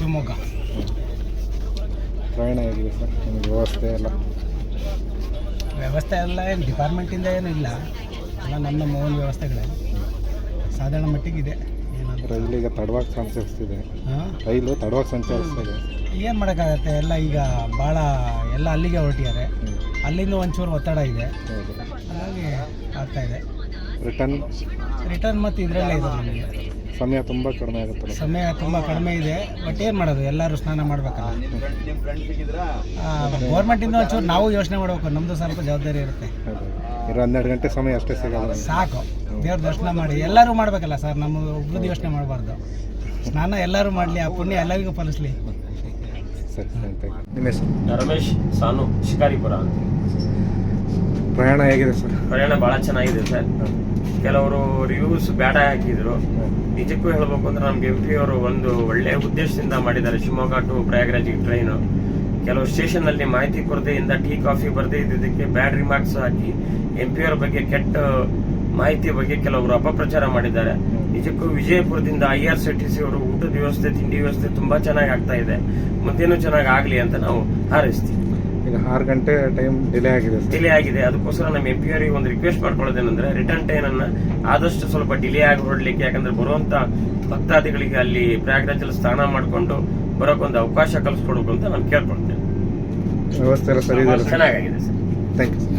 ಶಿವಮೊಗ್ಗ. ಪ್ರಯಾಣ ಹೇಗಿದೆ ಸರ್ ನಿಮಗೆ ವ್ಯವಸ್ಥೆ ಎಲ್ಲ ಏನು ಡಿಪಾರ್ಟ್ಮೆಂಟಿಂದ ಏನೂ ಇಲ್ಲ, ಎಲ್ಲ ನಮ್ಮ ಓನ್ ವ್ಯವಸ್ಥೆಗಳೇ ಸಾಧಾರಣ ಮಟ್ಟಿಗಿದೆ. ರೈಲಿಗೆ ತಡವಾಗಿ ಸಂಚರಿಸ್ತಿದೆ, ರೈಲು ತಡವಾಗಿ ಸಂಚರಿಸ್ತಿದೆ. ಏನು ಮಾಡೋಕ್ಕಾಗತ್ತೆ, ಎಲ್ಲ ಈಗ ಭಾಳ ಎಲ್ಲ ಅಲ್ಲಿಗೆ ಹೊರಟಿದ್ದಾರೆ, ಅಲ್ಲಿಂದ ಒಂಚೂರು ಒತ್ತಡ ಇದೆ, ಹಾಗಾಗಿ ಆಗ್ತಾಯಿದೆ. ರಿಟರ್ನ್ ಮತ್ತು ಇದರಲ್ಲೇ ಇದೆ. ನಮಗೆ ಸಮಯ ತುಂಬ ಕಡಿಮೆ ಆಗುತ್ತೆ. ಸಮಯ ತುಂಬ ಕಡಿಮೆ ಇದೆ, ಬಟ್ ಏನು ಮಾಡೋದು, ಎಲ್ಲರೂ ಸ್ನಾನ ಮಾಡಬೇಕಲ್ಲ. ಗೌರ್ಮೆಂಟಿಂದ ಒಂಚೂರು ನಾವು ಯೋಚನೆ ಮಾಡಬೇಕು, ನಮ್ಮದು ಸ್ವಲ್ಪ ಜವಾಬ್ದಾರಿ ಇರುತ್ತೆ. 12 ಗಂಟೆ ಸಮಯ ಅಷ್ಟೇ ಸಿಗೋದು, ಸಾಕು. ದೇವ್ರ ದರ್ಶನ ಮಾಡಿ ಎಲ್ಲರೂ ಮಾಡಬೇಕಲ್ಲ ಸರ್, ನಮ್ಮ ಒಬ್ಬರದ್ದು ಯೋಚನೆ ಮಾಡಬಾರ್ದು. ಸ್ನಾನ ಎಲ್ಲರೂ ಮಾಡಲಿ, ಆ ಪುಣ್ಯ ಎಲ್ಲರಿಗೂ ಫಲಿಸಲಿ. ಸರಿ, ನಿಮ್ಮ ಹೆಸರು? ರಮೇಶ್ ಸಾನು, ಶಿಕಾರಿಪುರ ಅಂತ. ಪ್ರಯಾಣ ಹೇಗಿದೆ ಸರ್? ಪ್ರಯಾಣ ಭಾಳ ಚೆನ್ನಾಗಿದೆ ಸರ್. ಕೆಲವರು ರಿವ್ಯೂಸ್ ಬೇಡ ಹಾಕಿದ್ರು. ನಿಜಕ್ಕೂ ಹೇಳ್ಬೇಕು ಅಂದ್ರೆ ನಮ್ಗೆ MP ಅವರು ಒಂದು ಒಳ್ಳೆಯ ಉದ್ದೇಶದಿಂದ ಮಾಡಿದ್ದಾರೆ. ಶಿವಮೊಗ್ಗ ಟು ಪ್ರಯಾಗ್ರಾಜಿಗೆ ಟ್ರೈನು. ಕೆಲವು ಸ್ಟೇಷನ್ ಅಲ್ಲಿ ಮಾಹಿತಿ ಕೊರತೆಯಿಂದ ಟೀ ಕಾಫಿ ಬರದೇ ಇದ್ದಿದ್ದಕ್ಕೆ ಬ್ಯಾಡ್ ರಿಮಾರ್ಕ್ಸ್ ಹಾಕಿ MP ಅವರ ಬಗ್ಗೆ ಕೆಟ್ಟ ಮಾಹಿತಿ ಬಗ್ಗೆ ಕೆಲವರು ಅಪಪ್ರಚಾರ ಮಾಡಿದ್ದಾರೆ. ನಿಜಕ್ಕೂ ವಿಜಯಪುರದಿಂದ IRCTC ಅವರು ಊಟದ ವ್ಯವಸ್ಥೆ, ತಿಂಡಿ ವ್ಯವಸ್ಥೆ ತುಂಬಾ ಚೆನ್ನಾಗಿ ಆಗ್ತಾ ಇದೆ. ಮುಂದೇನು ಚೆನ್ನಾಗಿ ಆಗ್ಲಿ ಅಂತ ನಾವು ಹಾರೈಸ್ತೀವಿ. ಈಗ 6 ಗಂಟೆ ಟೈಮ್ ಡಿಲೇ ಆಗಿದೆ. ಅದಕ್ಕೋಸ್ಕರ ನಮ್ಮ MP ಅವರಿಗೆ ಒಂದು ರಿಕ್ವೆಸ್ಟ್ ಮಾಡ್ಕೊಳ್ಳೋದೇನಂದ್ರೆ ರಿಟರ್ನ್ ಟ್ರೈನ್ ಅನ್ನ ಆದಷ್ಟು ಸ್ವಲ್ಪ ಡಿಲೇ ಆಗಿ ಹೊರಡ್ಲಿಕ್ಕೆ, ಯಾಕಂದ್ರೆ ಬರುವಂತ ಭಕ್ತಾದಿಗಳಿಗೆ ಅಲ್ಲಿ ಪ್ರಯಾಗ್ರಾಜಲ್ಲಿ ಸ್ನಾನ ಮಾಡಿಕೊಂಡು ಬರೋಕ್ಕೊಂದು ಅವಕಾಶ ಕಲ್ಸ್ಕೊಡ್ಬೇಕು ಅಂತ ನಾನು ಕೇಳ್ಕೊಳ್ತೇನೆ. ವ್ಯವಸ್ಥೆ ಎಲ್ಲ ಸರಿ ಇದೆ, ಚೆನ್ನಾಗಿದೆ ಸರ್. Thank you.